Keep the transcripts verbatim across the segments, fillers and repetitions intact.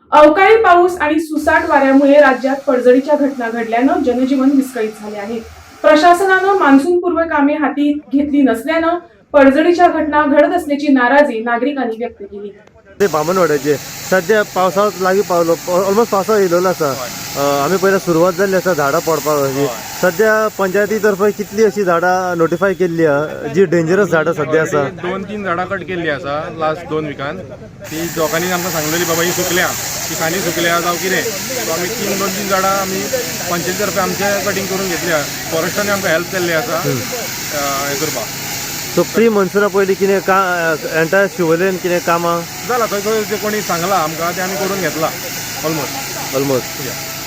अवकाळी पाऊस आणि सुसाट वाऱ्यामुळे राज्यात पडझडीच्या घटना घडल्यानं जनजीवन विस्कळीत झाले आहे. प्रशासनानं मान्सूनपूर्व कामे हाती घेतली नसल्यानं पडझडीच्या घटना घडत असल्याची नाराजी नागरिकांनी व्यक्त केली. ते बामणवाड्याचे सध्या पावसाळ्यात लागीं पावलो, ऑलमोस्ट पावसाळो येयलो आसा. आमी पयलीं सुरवात जाल्ली आसा झाडां पडपाक अशी. सध्या पंचायती तर्फे कितली अशी झाडां नोटिफाय केल्ली आहा जी डेंजरस झाडां सध्या आसा? दोन तीन झाडां कट केल्ली आसा लास्ट दोन विकान. ती लोकांनी आमकां सांगलेली बाबा ही सुकल्या, ती खांदी सुकल्या जावं कितें. सो आमी तीन दोन तीन झाडां आमी पंचायती तर्फे आमचे कटींग करून घेतल्या. फॉरेस्टांनी आमकां हेल्प केल्ली आसा हें करपाक. सो प्री मन्सुना पयलीं कितें का एंटायर शिवोलेन कितें कामां जालां थंय थंय जे कोणी सांगलां आमकां ते आमी करून घेतला ऑलमोस्ट ऑलमोस्ट.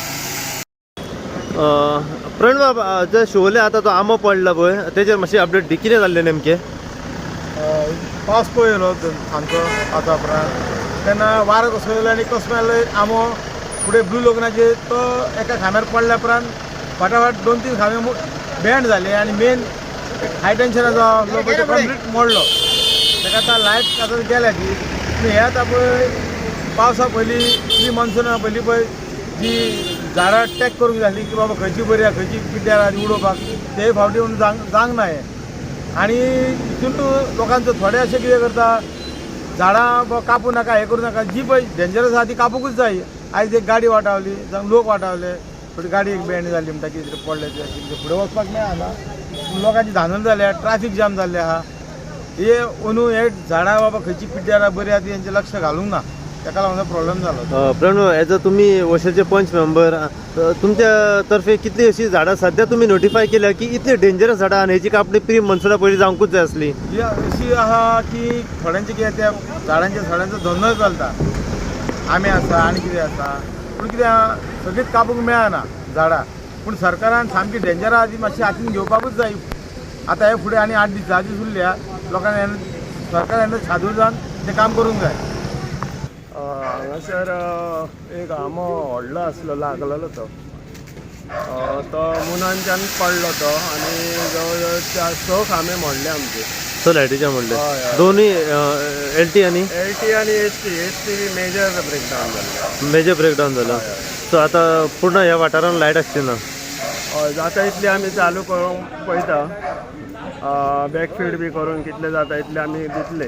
प्रण बाबा जे शिवोले आतां तो आंबो पडला पळय तेजेर मातशी अपडेट दी. कितें जाल्लें नेमकें? पावस पळयलो आमचो आतां उपरांत तेन्ना वारो कसो येयलो आनी कसो मेलो आंबो फुडें ब्लू लोकनाचेर तो एका खांब्यार पडल्या उपरांत फाटाफाट दोन तीन खांबे बँड जाले आनी मेन हाय टेन्शनाचो तो कंप्लीट मोडलो. ताका आतां लायट आतां गेल्या ती पूण हे आतां पळय पावसा पयलीं प्री मॉन्सुना पयलीं पळय जी झाडां टॅक करूंक जाय आसली की बाबा खंयची बरी आहा खंयची पिड्ड्यार आहा ती उडोवपाक ते फावटी म्हणून जांग जावंक ना हें. आनी हितून लोकांचो थोडे अशें कितें करता झाडां कापू नाका हें करूं नाका जी पळय डेंजरस आहा ती कापूंकूच जाय. आयज एक गाडी वाटावली जावं लोक वाटावले थोडी गाडी एक बँड जाली म्हणटा कितें पडले ते फुडें वचपाक मेळना. लोकांची धांदल जाल्या ट्राफीक जाम जाल्ले आहा. हे अंदू हे झाडां बाबा खंयची पिड्ड्यार आहा बरी आहा ती हेंचें लक्ष घालूंक ना ताका लागून प्रॉब्लेम जालो. प्रणव एज अ तुमी वर्षाचे पंच मेंबर तुमच्या तर्फे कितली अशी झाडां सध्या तुमी नोटिफाय केल्या की इतली डेंजरस झाडां आनी हेची कापणी प्री मन्सुना पयलीं जावंकूच जाय आसली? ही अशी आहा की थोड्यांचे कितें त्या झाडांच्या झाडांचो धंदो चलता. आंबे आसा आनी कितें आसा पूण कितें आहा सगळींच कापूंक मेळना झाडां. पूण सरकारान सामकी डेंजर आहा ती मातशी हातीन घेवपाकूच जाय. आतां हे फुडें आनी आठ दीस धा दीस उरल्या लोकांनी सरकारान छादूर जावन तें काम करूंक जाय. हांगासर एक आंबो व्हडलो आसलो लागलेलो तो तो मुनांच्यान पडलो तो आनी जवळ जवळ चार स खांबे मोडले आमचे. स लायटीचे म्हणले दोन्ही एल टी आनी एल टी आनी H T H T major breakdown जाल्लो. मेजर ब्रेकडावन जालो. सो आतां पूर्ण ह्या वाठारांत लायट आसची ना? हय जाता इतली आमी चालू करूंक पळयता. बॅकफीड बी करून कितले जाता इतले आमी दितले.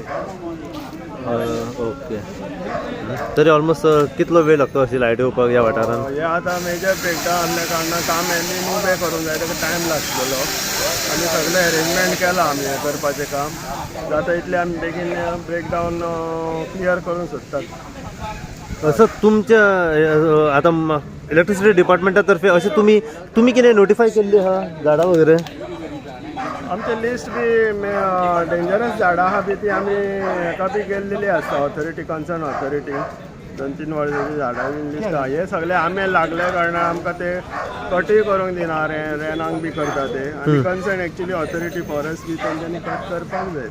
ओके. तरी ऑलमोस्ट कितलो वेळ लागतो अशी लायट येवपाक ह्या वाठारांत? हे आतां मेजर ब्रेकडावन आसल्या कारणान काम एनी उबें करूंक जाय ताका टायम लागतलो आनी सगळें अरेंजमेंट केलां आमी हें करपाचें काम. जाता इतलें आमी बेगीन ब्रेकडावन क्लियर करूंक सोदतात. असं तुमच्या आतां इलेक्ट्रिसिटी डिपार्टमेंटा तर्फे अशें तुमी तुमी कितें नोटिफाय केल्ली आहा झाडां वगैरे? आमचे लिस्ट बी डेंजरस झाडां आहा बी ती आमी हेका बी गेल्लेली आसता ऑथॉरिटी कन्सर्न ऑथॉरिटी दोन तीन वर्सांची झाडां बी लिस्ट आहा. हे सगळे आमे लागल्या कारणान आमकां ते कटूय करूंक दिना रे रेनांक बी करता ते आनी कन्सर्न एक्चुली ऑथॉरिटी फॉरेस्ट बी तेंच्यांनी कट करपाक जाय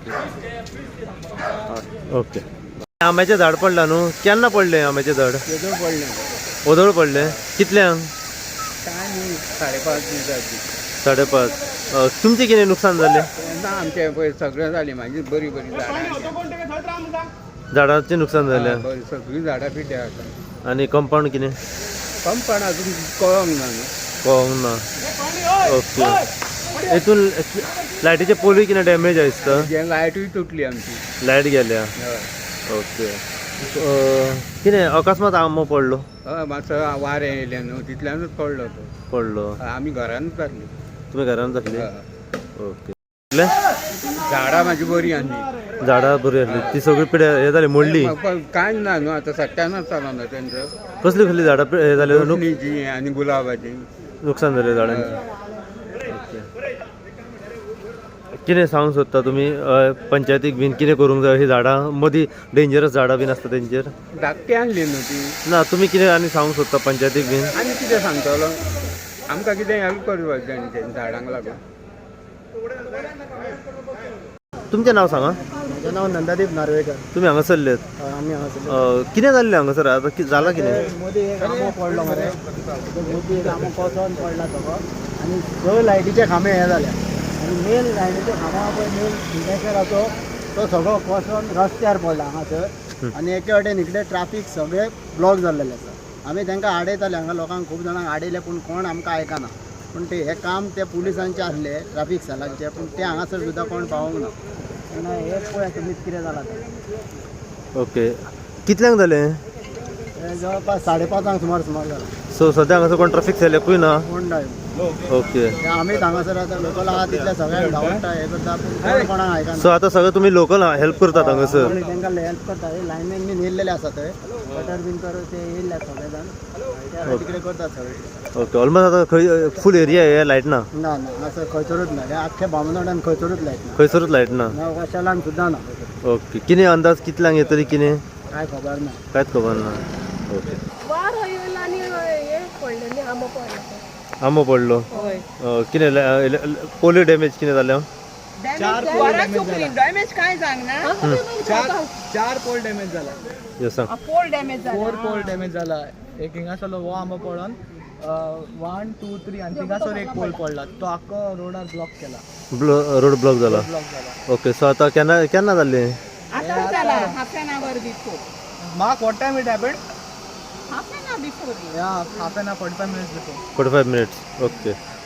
ते. ओके. आंब्याचें झाड पडलां न्हू, केन्ना पडलें आंब्याचें झाड? तेजो पडलें ओदळ पडलें. कितल्यांक? काय न्ही साडे पांच दिसाची. साडे पांच. तुमचें कितें नुकसान जालें? ना आमचे पळय सगळें जालें म्हाजी बरी बरी झाडां झाडांचें नुकसान जालें सगळीं झाडां पिड्ड्यार आसा. आनी कंपाउंड कितें? कंपाउंड अजून कळोंक ना न्हू. कळोंक ना. ओके. हेतून लायटीचे पोलूय कितें डॅमेज आसता? जे लायटूय तुटली आमची. लायट गेल्या. ओके. कितें अकस्मात आंबो पडलो? हय मातसो वारें येयलें न्हू तितल्यानूच पडलो तो. पडलो. आमी घरानूच जातली. तुमी घरान जातली? ओके. झाडां म्हाजी बरी आसली. झाडां बरी आसली ती सगळी पिड्या हे जाली मोडली? कांय ना न्हू आतां सट्ट्यानच चलना तेंचो. कसली कसली झाडां हे जाले? लोकणीची आनी गुलाबाची नुकसान जालें झाडांचें. कितें सांगूंक सोदता तुमी पंचायतीक बीन कितें करूंक जाय अशीं झाडां मदीं डेंजरस झाडां बीन आसता तेंचेर? धाकटी आणली न्हू ती. ना तुमी कितें आनी सांगूंक सोदता पंचायतीक बीन? आनी कितें सांगतलो आमकां कितें हेल्प करपाक जाय न्ही झाडांक लागून. तुमचें नांव सांगा. म्हजें नांव नंदादीप नार्वेकर. तुमी हांगासरलेत? आमी हांगासर. कितें जाल्लें हांगासर आतां जालां कितें? मदीं एक आंबो पडलो मरे मदीं एक आंबो कोसोन पडला तो आनी स लायटीचे खांबे हे जाल्या आनी मेन लायटीचे खांबा पळय मेन इंडस्ट्रियल तो तो सगळो कोसोन रस्त्यार पडला हांगासर आनी एके वाटेन इकडे ट्राफीक सगळे ब्लॉक जाल्लेले आसा. आमी तांकां आडयताले, हांगा लोकांक खूब जाणांक आडयले पूण कोण आमकां आयकना. पूण ते हे काम ते पुलिसांचे आसले ट्राफीक सेलांचे, पूण ते हांगासर सुद्दां कोण पावोंक ना. तेन्ना हे पळय तुमीच कितें जालां तें. ओके, कितल्यांक जालें? हे जवळपास साडे पांचांक सुमार सुमार जाला. सो सद्या हांगासर कोण ट्रॅफिक सेल एकूय ना? कोण ना ओके. आमीच हांगासर आतां लोकल आहा तितले सगळ्यांक धांवता हे करता पूण कोण कोणाक आयकना. सो आतां सगळे तुमी लोकल हेल्प करतात हांगासर? आनी तांकां हेल्प करता. हे लायनमॅन बीन येयल्लेले आसा थंय, कटर बीन तर ते येयल्ले सगळे जाण ते तिकडे करतात सगळे. ओके, ऑलमोस्ट आतां खंय फूल एरिया हे लायट ना? ना ना असं खंयसरूच ना. हे आख्खे बामनोड्यान खंयसरूच लायट ना. खंयसरूच लायट ना? ना वशालान सुद्दां ना. ओके, कितें अंदाज कितल्यांक येतली कितें काय खबर ना. कांयच खबर ना. ओके. वार येयला आनी हे पडले न्ही आंबो पडलो. आंबो पडलो? कितें पोलियो डॅमेज कितें जालें? डॅमेज काय सांगना. चार चार पोल डॅमेज जाला. यो सांग. पोल डॅमेज जाला. फोर पोल डॅमेज जाला. एक हिंगासरलो हो आंबो पडोन वन टू थ्री आनी थिंगासर एक पोल पडला. तो आख्खो रोडार ब्लॉक केला. ब्लो रोड ब्लॉक जाला? ब्लॉक जाला. ओके, सो आतां केन्ना केन्ना जाल्लें? आता जाला half an hour before. Mark what time it happened? Half an hour before. या half an hour forty five minutes before. Forty five minutes. Okay.